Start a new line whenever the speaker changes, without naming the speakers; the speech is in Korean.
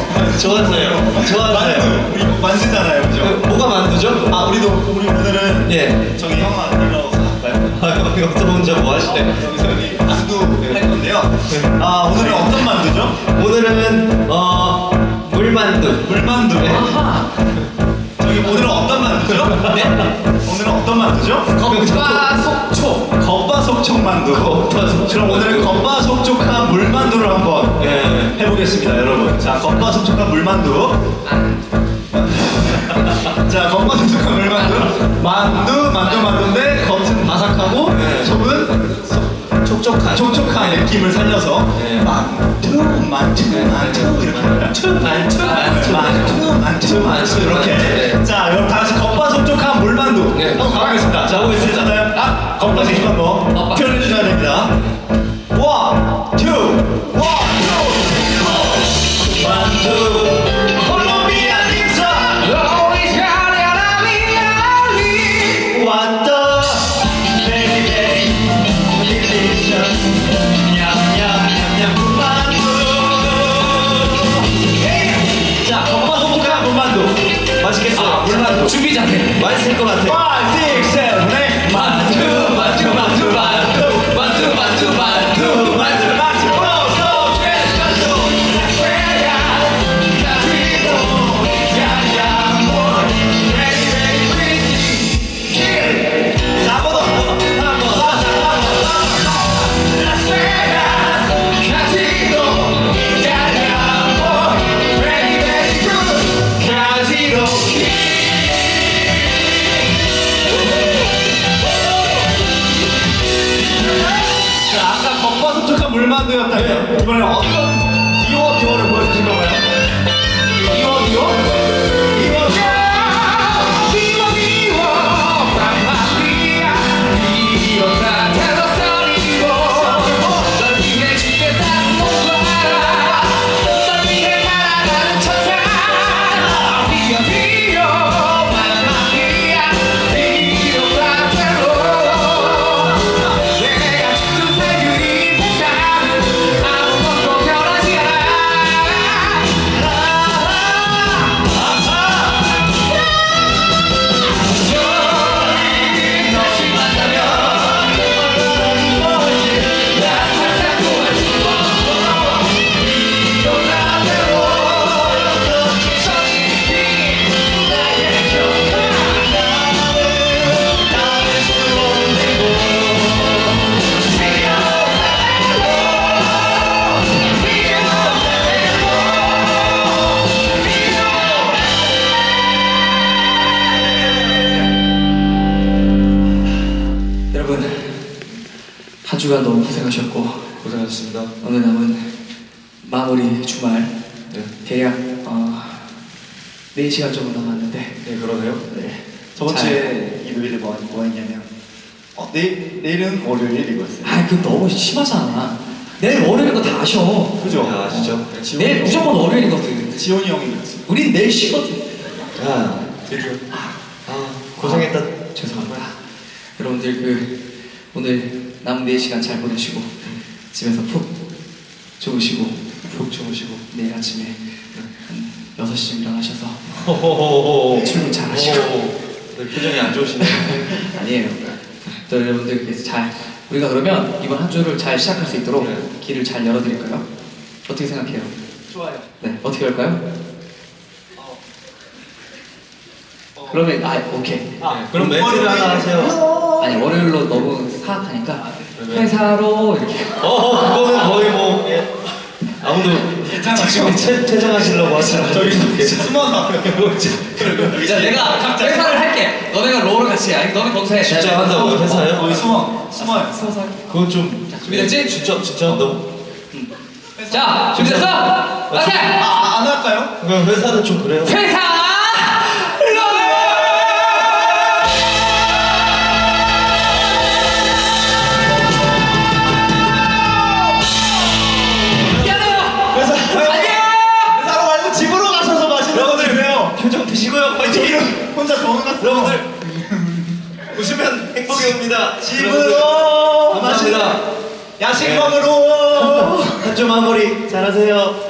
좋았어요. 좋았어요.
만두, 우리 만두잖아요, 그죠?
뭐가 만두죠?
우리 오늘은
예.
저기 형아 일로 갈까요?
아, 이거 또 혼자 뭐 하시네.
여기서 우리 만두 할 건데요. 오늘은 어떤 만두죠?
오늘은 물만두.
물만두.
아하.
저기 오늘은 어떤 만두죠?
네?
오늘은 어떤 만두죠?
겉바속촉.
겉바속촉 만두.
겉바속촉
그럼 오늘은 겉바속촉한 물만두를 한번
예.
해보겠습니다, 여러분. 자, 겉바속촉한 물만두. 자, 겉바속촉한 물만두. 만두인데 겉은 바삭하고
네.
속은
촉촉한.
촉촉한 느낌을 살려서
네.
만두 이렇게 만두 이렇게.
네.
자, 여러분 다 같이 겉바속촉한 물만두
네.
한번 가보겠습니다. 자, 보고 있잖아요. 겉바속촉한 거 표현해 주셔야 됩니다. 원, 투, 만두 콜롬비아 림사 What the very very delicious 냠냠냠냠 물만두. 자, 겉바속촉한 물만두 맛있겠어요? 물만두
준비 잘해. 맛있을 것 같아.
5, 6, 7, 8
만두, 만두, 만두, 만두, 만두, 만두, 만두, 만두.
물만두였다면 이번에는 어떤 비워를 보여주실 건가요? 비워?
한 주간 너무 고생하셨고
고생하셨습니다.
오늘 남은 마무리 주말
네.
대략 4시간 정도 남았는데
네, 그러네요.
네.
저번 주에 일요일에 뭐 했냐면 내일은 월요일 이거였어요.
그거 너무 심하잖아. 내일 월요일인 거 다 아셔.
그죠?
야, 아시죠?
내일 무조건 월요일이거든.
지원이 형이 그랬어.
우린 내일 쉬거든.
야, 드디어. 고생했다.
죄송합니다. 여러분들 오늘 남은 4시간 잘 보내시고 집에서 푹 주무시고 내일 아침에 한 6시쯤 일어나셔서 출근 잘 하시고.
네, 표정이 안 좋으시네.
아니에요. 또 여러분들께서 우리가 그러면 이번 한 주를 잘 시작할 수 있도록
네.
길을 잘 열어드릴까요? 어떻게 생각해요?
좋아요.
네, 어떻게 할까요? 그러면 오케이.
그럼 멘트를 하나 하세요.
아니 월요일로 너무 사악하니까
왜?
회사로 이렇게.
그거는 거의 뭐 아무도 지금 퇴장하시려고 하시는
저기 숨어서.
자, 내가 회사를 할게. 너네가 롤을 같이 해. 아니, 너네 거기서 해.
진짜 한다고 회사요?
거기 숨어요.
서서 할게.
그건 좀
준비됐지?
진짜 한다고?
자, 준비됐어? 오케이.
안 할까요?
그럼 회사는 좀 그래요.
회사
회사로 말고 집으로 가셔서 마시는 분들 왜요?
표정 드시고요. 파이팅.
혼자 병원 갔어.
여러분들 웃으면 행복이 옵니다.
집으로
감사합니다.
야식 먹으러.
한 주 마무리 잘하세요.